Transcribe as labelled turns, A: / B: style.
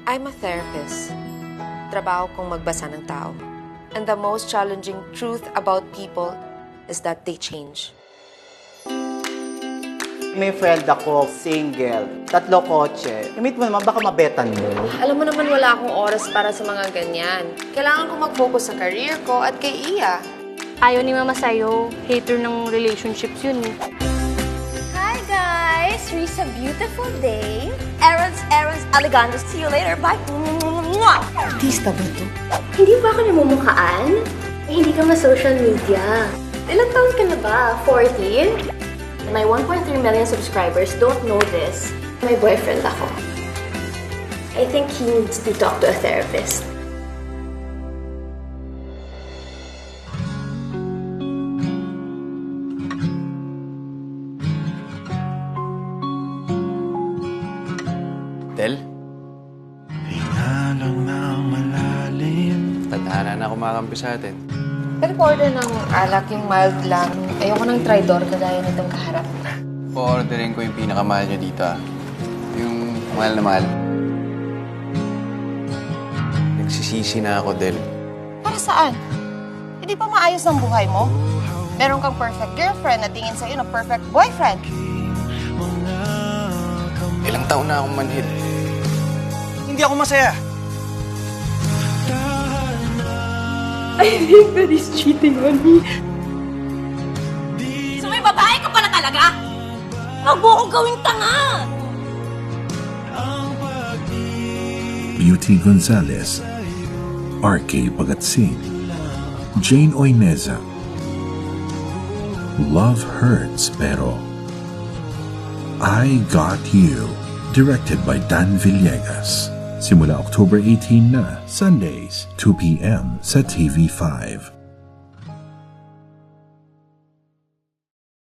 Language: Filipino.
A: I'm a therapist. Trabaho kong magbasa ng tao. And the most challenging truth about people is that they change.
B: May friend ako, single, 3 kotse. I-meet mo naman, baka mabetan mo.
A: Alam mo naman wala akong oras para sa mga ganyan. Kailangan ko mag-focus sa career ko at kay Iya.
C: Ayaw ni Mama sa'yo. Hater ng relationships yun eh.
D: Hi guys! It's a beautiful day. Errands, Alejandro. See you later. Bye!
A: Artista ba to?
D: Hindi ba ako namumukhaan? Hindi ka ma-social media. Ilang taon ka na ba? 40? My 1.3 million subscribers don't know this. My boyfriend ako. I think he needs to talk to a therapist.
E: Del?
F: Hingalang ng malalim.
E: Tadhana na kumakampi sa atin.
A: Pwede po order ng alak yung mild lang. Ayoko ng tridor kagaya nitong kaharap.
E: Po-orderin ko yung pinakamahal nyo dito ah. Yung mahal na mahal. Nagsisisi na ako, Del.
G: Para saan? Hindi pa maayos ang buhay mo? Meron kang perfect girlfriend na tingin sa'yo ng perfect boyfriend.
E: Ilang taon na akong manhid.
F: Hindi ako masaya.
D: I think that he's cheating on me.
G: So may babae ka pala talaga? Huwag mo akong gawing tanga!
H: Beauty Gonzalez, R.K. Pagatsing, Jane Oineza. Love Hurts pero I Got You, directed by Dan Villegas. Simula October 18 na, Sundays, 2 p.m. sa TV5.